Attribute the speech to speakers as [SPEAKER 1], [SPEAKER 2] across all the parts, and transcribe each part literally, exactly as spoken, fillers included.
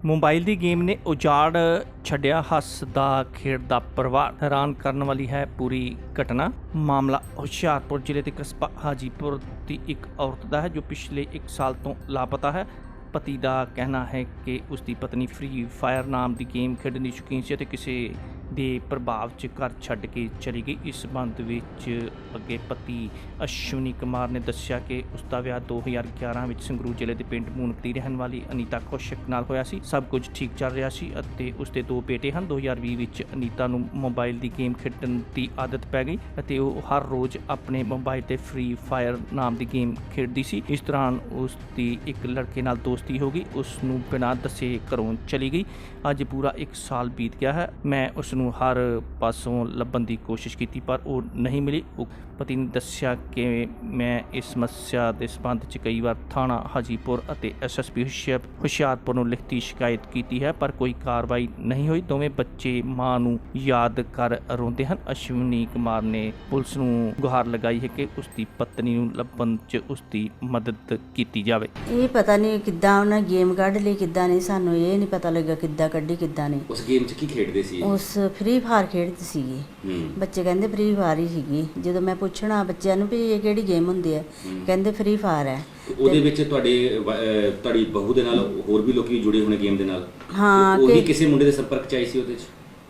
[SPEAKER 1] Mobile ਦੀ game ਨੇ ਉਜਾੜ ਛੱਡਿਆ ਹੱਸਦਾ ਖੇਡਦਾ ਪਰਿਵਾਰ। ਹੈਰਾਨ ਕਰਨ ਵਾਲੀ ਹੈ ਪੂਰੀ ਘਟਨਾ। ਮਾਮਲਾ ਹੁਸ਼ਿਆਰਪੁਰ ਜ਼ਿਲ੍ਹੇ ਦੇ ਕਸਬਾ ਹਾਜੀਪੁਰ ਦੀ ਇੱਕ ਔਰਤ ਦਾ ਹੈ ਜੋ ਪਿਛਲੇ ਇੱਕ ਸਾਲ ਤੋਂ ਲਾਪਤਾ ਹੈ। ਪਤੀ ਦਾ ਕਹਿਣਾ ਹੈ ਕਿ ਉਸ ਦੀ ਪਤਨੀ ਫ੍ਰੀ ਫਾਇਰ ਨਾਮ ਦੀ ਗੇਮ ਖੇਡਣ ਦੀ ਸ਼ੌਕੀਨ ਸੀ ਅਤੇ ਕਿਸੇ ਦੇ ਪ੍ਰਭਾਵ 'ਚ ਘਰ ਛੱਡ ਕੇ ਚਲੀ ਗਈ। ਇਸ ਸੰਬੰਧ ਵਿੱਚ ਅੱਗੇ ਪਤੀ ਅਸ਼ਵਨੀ ਕੁਮਾਰ ਨੇ ਦੱਸਿਆ ਕਿ ਉਸ ਦਾ ਵਿਆਹ ਦੋ ਹਜ਼ਾਰ ਗਿਆਰਾਂ ਵਿੱਚ ਸੰਗਰੂਰ ਜ਼ਿਲ੍ਹੇ ਦੇ ਪਿੰਡ ਮੂਨਕ ਦੀ ਰਹਿਣ ਵਾਲੀ ਅਨੀਤਾ ਕੌਸ਼ਿਕ ਨਾਲ ਹੋਇਆ ਸੀ। ਸਭ ਕੁਝ ਠੀਕ ਚੱਲ ਰਿਹਾ ਸੀ ਅਤੇ ਉਸ ਦੇ ਦੋ ਬੇਟੇ ਹਨ। ਦੋ ਹਜ਼ਾਰ ਵੀਹ ਵਿੱਚ ਅਨੀਤਾ ਨੂੰ ਮੋਬਾਈਲ ਦੀ ਗੇਮ ਖੇਡਣ ਦੀ ਆਦਤ ਪੈ ਗਈ ਅਤੇ ਉਹ ਹਰ ਰੋਜ਼ ਆਪਣੇ ਮੋਬਾਈਲ 'ਤੇ ਫ੍ਰੀ ਫਾਇਰ ਨਾਮ ਦੀ ਗੇਮ ਖੇਡਦੀ ਸੀ। ਇਸ ਦੌਰਾਨ ਉਸ ਦੀ ਇੱਕ ਲੜਕੇ ਨਾਲ ਦੋਸਤੀ ਹੋ ਗਈ। ਉਸ ਨੂੰ ਬਿਨਾਂ ਦੱਸੇ ਘਰੋਂ ਚਲੀ ਗਈ। ਅੱਜ ਪੂਰਾ ਇੱਕ ਸਾਲ ਬੀਤ ਗਿਆ ਹੈ। ਮੈਂ ਉਸ ਨੂੰ ਹਰ ਪਾਸੋਂ ਲੱਭਣ ਦੀ ਕੋਸ਼ਿਸ਼ ਕੀਤੀ ਪਰ ਉਹ ਨਹੀਂ ਮਿਲੀ। ਉਹ ਪਤੀ ਨੇ ਦੱਸਿਆ ਕਿ ਮੈਂ ਇਸ ਸਮੱਸਿਆ ਦੇ ਸੰਬੰਧ 'ਚ ਕਈ ਵਾਰ ਥਾਣਾ ਹਾਜੀਪੁਰ ਅਤੇ ਐਸ ਐਸ ਪੀ ਹੁਸ਼ਿਆਰਪੁਰ ਨੂੰ ਲਿਖਤੀ ਸ਼ਿਕਾਇਤ ਕੀਤੀ ਹੈ ਪਰ ਕੋਈ ਕਾਰਵਾਈ ਨਹੀਂ ਹੋਈ। ਦੋਵੇਂ ਬੱਚੇ ਮਾਂ ਨੂੰ ਯਾਦ ਕਰ ਰੋਂਦੇ ਹਨ। ਅਸ਼ਵਨੀ ਕੁਮਾਰ ਨੇ ਪੁਲਿਸ ਨੂੰ ਗੁਹਾਰ ਲਗਾਈ ਹੈ ਕਿ ਉਸ ਦੀ ਪਤਨੀ ਨੂੰ ਲੱਭਣ 'ਚ ਉਸ ਦੀ ਮਦਦ ਕੀਤੀ ਜਾਵੇ।
[SPEAKER 2] ਇਹ ਪਤਾ ਨਹੀਂ ਕਿੱਦਾਂ ਉਹਨਾਂ ਗੇਮ ਕੱਢ ਲਈ, ਕਿੱਦਾਂ ਨਹੀਂ, ਸਾਨੂੰ ਇਹ ਨਹੀਂ ਪਤਾ ਲੱਗਾ ਕਿੱਦਾਂ ਕੱਢੀ ਕਿੱਦਾਂ ਨਹੀਂ।
[SPEAKER 3] ਉਸ ਗੇਮ 'ਚ ਕੀ ਖੇਡਦੇ ਸੀ?
[SPEAKER 2] ਉਸ ਫ੍ਰੀ ਫਾਇਰ ਖੇਡਦੀ ਸੀਗੀ। ਬੱਚੇ ਕਹਿੰਦੇ ਫ੍ਰੀ ਫਾਇਰ ਹੀ ਸੀਗੀ। ਜਦੋਂ ਮੈਂ ਪੁੱਛਣਾ ਬੱਚਿਆਂ ਨੂੰ ਵੀ ਇਹ ਕਿਹੜੀ ਗੇਮ ਹੁੰਦੀ ਹੈ, ਕਹਿੰਦੇ ਫ੍ਰੀ ਫਾਇਰ ਹੈ।
[SPEAKER 3] ਉਹਦੇ ਵਿੱਚ ਤੁਹਾਡੇ ਤੁਹਾਡੀ ਬਹੂ ਦੇ ਨਾਲ ਹੋਰ ਵੀ ਲੋਕੀ ਜੁੜੇ ਹੋਣੇ ਗੇਮ ਦੇ ਨਾਲ?
[SPEAKER 2] ਹਾਂ,
[SPEAKER 3] ਉਹ ਵੀ ਕਿਸੇ ਮੁੰਡੇ ਦੇ ਸੰਪਰਕ 'ਚ ਆਈ ਸੀ ਉਹਦੇ 'ਚ?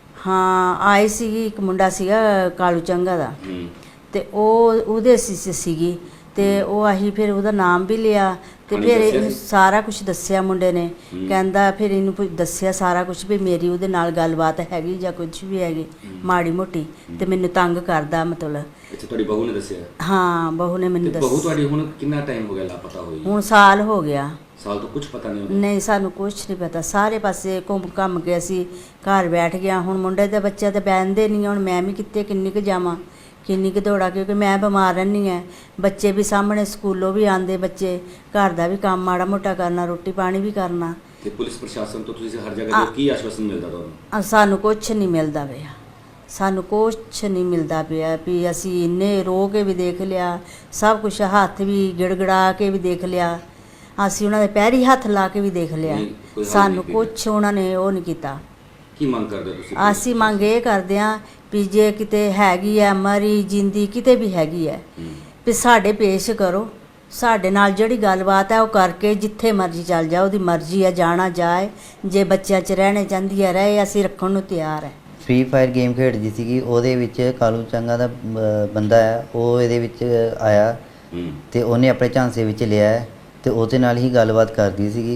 [SPEAKER 2] ਹਾਂ ਆਈ ਸੀਗੀ। ਇੱਕ ਮੁੰਡਾ ਸੀਗਾ ਕਾਲੂ ਚੰਗਾ ਦਾ ਤੇ ਉਹ ਉਹਦੇ ਸੀ ਸੀਗੀ ਤੇ ਉਹ ਅਸੀਂ ਫਿਰ ਉਹਦਾ ਨਾਮ ਵੀ ਲਿਆ ਤੇ ਫਿਰ ਇਹਨੂੰ ਸਾਰਾ ਕੁਝ ਦੱਸਿਆ ਮੁੰਡੇ ਨੇ। ਕਹਿੰਦਾ ਫਿਰ ਇਹਨੂੰ ਦੱਸਿਆ ਸਾਰਾ ਕੁਝ ਵੀ ਮੇਰੀ ਉਹਦੇ ਨਾਲ ਗੱਲਬਾਤ ਹੈਗੀ ਜਾਂ ਕੁਝ ਵੀ ਹੈਗੀ ਮਾੜੀ ਮੋਟੀ ਤੇ ਮੈਨੂੰ ਤੰਗ ਕਰਦਾ ਮਤਲਬ।
[SPEAKER 3] ਅੱਛਾ, ਤੁਹਾਡੀ ਬਹੂ ਨੇ ਦੱਸਿਆ?
[SPEAKER 2] ਹਾਂ, ਬਹੂ ਨੇ ਮੈਨੂੰ ਦੱਸਿਆ।
[SPEAKER 3] ਬਹੂ ਤੁਹਾਡੀ ਹੁਣ ਕਿੰਨਾ ਟਾਈਮ ਹੋ ਗਿਆ ਲਾਪਤਾ ਹੋਈ?
[SPEAKER 2] ਹੁਣ ਸਾਲ ਹੋ ਗਿਆ।
[SPEAKER 3] ਸਾਲ ਤੋਂ ਕੁਝ ਪਤਾ ਨਹੀਂ?
[SPEAKER 2] ਨਹੀਂ, ਸਾਨੂੰ ਕੁਝ ਨਹੀਂ ਪਤਾ। ਸਾਰੇ ਪਾਸੇ ਘੁੰਮ ਘੰਮ ਕੇ ਅਸੀਂ ਘਰ ਬੈਠ ਗਿਆ। ਹੁਣ ਮੁੰਡੇ ਦੇ ਬੱਚੇ ਤਾਂ ਬਹਿੰਦੇ ਨਹੀਂ। ਹੁਣ ਮੈਂ ਵੀ ਕਿੱਥੇ ਕਿੰਨੀ ਕੁ ਜਾਵਾਂ, ਕਿੰਨੀ ਕੁ ਦੌੜਾ, ਕਿਉਂਕਿ ਮੈਂ ਬਿਮਾਰ ਰਹਿੰਦੀ ਹਾਂ। ਬੱਚੇ ਵੀ ਸਾਹਮਣੇ ਸਕੂਲੋਂ ਵੀ ਆਉਂਦੇ, ਬੱਚੇ ਘਰ ਦਾ ਵੀ ਕੰਮ ਮਾੜਾ ਮੋਟਾ ਕਰਨਾ, ਰੋਟੀ ਪਾਣੀ ਵੀ ਕਰਨਾ।
[SPEAKER 3] ਤੇ ਪੁਲਿਸ ਪ੍ਰਸ਼ਾਸਨ ਤੋਂ ਤੁਸੀਂ ਹਰ ਜਗ੍ਹਾ ਤੋਂ ਕੀ ਆਸ਼ਵਾਸਨ ਮਿਲਦਾ ਤੁਹਾਨੂੰ?
[SPEAKER 2] ਸਾਨੂੰ ਕੁਝ ਨਹੀਂ ਮਿਲਦਾ ਪਿਆ। ਸਾਨੂੰ ਕੁਛ ਨਹੀਂ ਮਿਲਦਾ ਪਿਆ ਵੀ ਅਸੀਂ ਇੰਨੇ ਰੋ ਕੇ ਵੀ ਦੇਖ ਲਿਆ, ਸਭ ਕੁਝ ਹੱਥ ਵੀ ਗਿੜਗੜਾ ਕੇ ਵੀ ਦੇਖ ਲਿਆ, ਅਸੀਂ ਉਹਨਾਂ ਦੇ ਪੈਰੀ ਹੱਥ ਲਾ ਕੇ ਵੀ ਦੇਖ ਲਿਆ। ਸਾਨੂੰ ਕੁਛ ਉਹਨਾਂ ਨੇ ਉਹ ਨਹੀਂ ਕੀਤਾ।
[SPEAKER 3] ਕੀ ਮੰਗ ਕਰਦੇ ਤੁਸੀਂ?
[SPEAKER 2] ਅਸੀਂ ਮੰਗ ਇਹ ਕਰਦੇ ਹਾਂ ਵੀ ਜੇ ਕਿਤੇ ਹੈਗੀ ਹੈ ਮਰੀ ਜਿੰਦੀ ਕਿਤੇ ਵੀ ਹੈਗੀ ਹੈ ਵੀ ਸਾਡੇ ਪੇਸ਼ ਕਰੋ। ਸਾਡੇ ਨਾਲ ਜਿਹੜੀ ਗੱਲਬਾਤ ਹੈ ਉਹ ਕਰਕੇ ਜਿੱਥੇ ਮਰਜ਼ੀ ਚੱਲ ਜਾ, ਉਹਦੀ ਮਰਜ਼ੀ ਹੈ, ਜਾਣਾ ਜਾਏ। ਜੇ ਬੱਚਿਆਂ 'ਚ ਰਹਿਣੇ ਚਾਹੁੰਦੀ ਹੈ ਰਹੇ, ਅਸੀਂ ਰੱਖਣ ਨੂੰ ਤਿਆਰ ਹੈ।
[SPEAKER 4] ਫ੍ਰੀ ਫਾਇਰ ਗੇਮ ਖੇਡਦੀ ਸੀਗੀ। ਉਹਦੇ ਵਿੱਚ ਕਾਲੂ ਚੰਗਾ ਦਾ ਬੰਦਾ ਹੈ, ਉਹ ਇਹਦੇ ਵਿੱਚ ਆਇਆ ਤੇ ਉਹਨੇ ਆਪਣੇ ਝਾਂਸੇ ਵਿੱਚ ਲਿਆ ਤੇ ਉਹਦੇ ਨਾਲ ਹੀ ਗੱਲਬਾਤ ਕਰਦੀ ਸੀਗੀ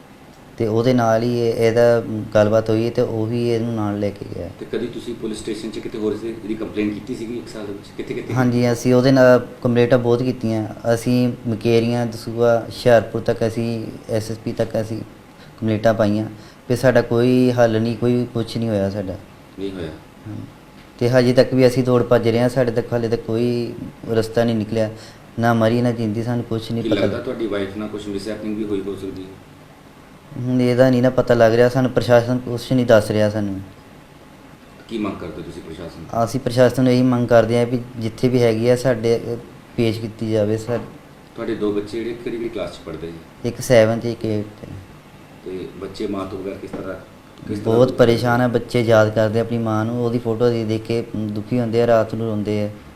[SPEAKER 4] ਤੇ ਉਹਦੇ ਨਾਲ ਹੀ ਇਹਦਾ ਗੱਲਬਾਤ ਹੋਈ ਤੇ ਉਹ ਵੀ ਇਹਨੂੰ ਨਾਲ ਲੈ ਕੇ ਗਿਆ। ਤੇ
[SPEAKER 3] ਕਦੀ ਤੁਸੀਂ ਪੁਲਿਸ ਸਟੇਸ਼ਨ 'ਚ ਕਿਤੇ ਹੋਰ ਸੀ ਇਹਦੀ ਕੰਪਲੇਂਟ ਕੀਤੀ ਸੀਗੀ ਇੱਕ ਸਾਲ ਦੇ ਵਿੱਚ? ਕਿੱਥੇ ਕਿੱਥੇ?
[SPEAKER 4] ਹਾਂਜੀ, ਅਸੀਂ ਉਹਦੇ ਨਾਲ ਕੰਪਲੇਂਟਾਂ ਬਹੁਤ ਕੀਤੀਆਂ। ਅਸੀਂ ਮਕੇਰੀਆਂ, ਦਸੂਆ, ਹੁਸ਼ਿਆਰਪੁਰ ਤੱਕ ਅਸੀਂ ਐਸ ਐਸ ਪੀ ਤੱਕ ਅਸੀਂ ਕੰਪਲੇਂਟਾਂ ਪਾਈਆਂ ਤੇ ਸਾਡਾ ਕੋਈ ਹੱਲ ਨਹੀਂ, ਕੋਈ ਕੁਛ ਨਹੀਂ ਹੋਇਆ। ਸਾਡਾ
[SPEAKER 3] ਨਹੀਂ ਹੋਇਆ
[SPEAKER 4] ਤੇ ਹਜੇ ਤੱਕ ਵੀ ਅਸੀਂ ਦੌੜ ਭੱਜ ਰਹੇ ਹਾਂ। ਸਾਡੇ ਤੱਕ ਹਾਲੇ ਤੱਕ ਕੋਈ ਰਸਤਾ ਨਹੀਂ ਨਿਕਲਿਆ, ਨਾ ਮਰੀ ਨਾ ਜਿੰਦੀ। ਸਾਨੂੰ ਕੁਛ ਨਹੀਂ ਪਤਾ।
[SPEAKER 3] ਲੱਗਦਾ ਤੁਹਾਡੀ ਵਾਈਫ ਨਾਲ ਕੁਝ ਮਿਸਹੈਪਨਿੰਗ ਵੀ ਹੋਈ ਹੋ ਸਕਦੀ ਹੈ?
[SPEAKER 4] ਹੁਣ ਇਹਦਾ ਨਹੀਂ ਨਾ ਪਤਾ ਲੱਗ ਰਿਹਾ। ਸਾਨੂੰ ਪ੍ਰਸ਼ਾਸਨ ਕੁਛ ਨਹੀਂ ਦੱਸ ਰਿਹਾ। ਸਾਨੂੰ
[SPEAKER 3] ਕੀ ਮੰਗ ਕਰਦੇ ਤੁਸੀਂ ਪ੍ਰਸ਼ਾਸਨ?
[SPEAKER 4] ਅਸੀਂ ਪ੍ਰਸ਼ਾਸਨ ਨੂੰ ਇਹੀ ਮੰਗ ਕਰਦੇ ਹਾਂ ਵੀ ਜਿੱਥੇ ਵੀ ਹੈਗੀ ਆ ਸਾਡੇ ਪੇਸ਼ ਕੀਤੀ ਜਾਵੇ। ਸਰ,
[SPEAKER 3] ਤੁਹਾਡੇ ਦੋ ਬੱਚੇ ਜਿਹੜੇ ਕਿਹੜੀ ਕਿਹੜੀ ਕਲਾਸ 'ਚ ਪੜ੍ਹਦੇ ਜੀ?
[SPEAKER 4] ਇੱਕ ਸੈਵਨ ਤੇ ਇੱਕ ਏਟ।
[SPEAKER 3] ਤੇ ਬੱਚੇ ਮਾਂ ਤੋਂ ਬਗੈਰ ਕਿਸ ਤਰ੍ਹਾਂ ਕਿਸ ਤਰ੍ਹਾਂ
[SPEAKER 4] ਬਹੁਤ ਪਰੇਸ਼ਾਨ ਹੈ। ਬੱਚੇ ਯਾਦ ਕਰਦੇ ਆਪਣੀ ਮਾਂ ਨੂੰ, ਉਹਦੀ ਫੋਟੋ ਦੇਖ ਦੇਖ ਕੇ ਦੁਖੀ ਹੁੰਦੇ ਆ, ਰਾਤ ਨੂੰ ਰੋਂਦੇ ਆ।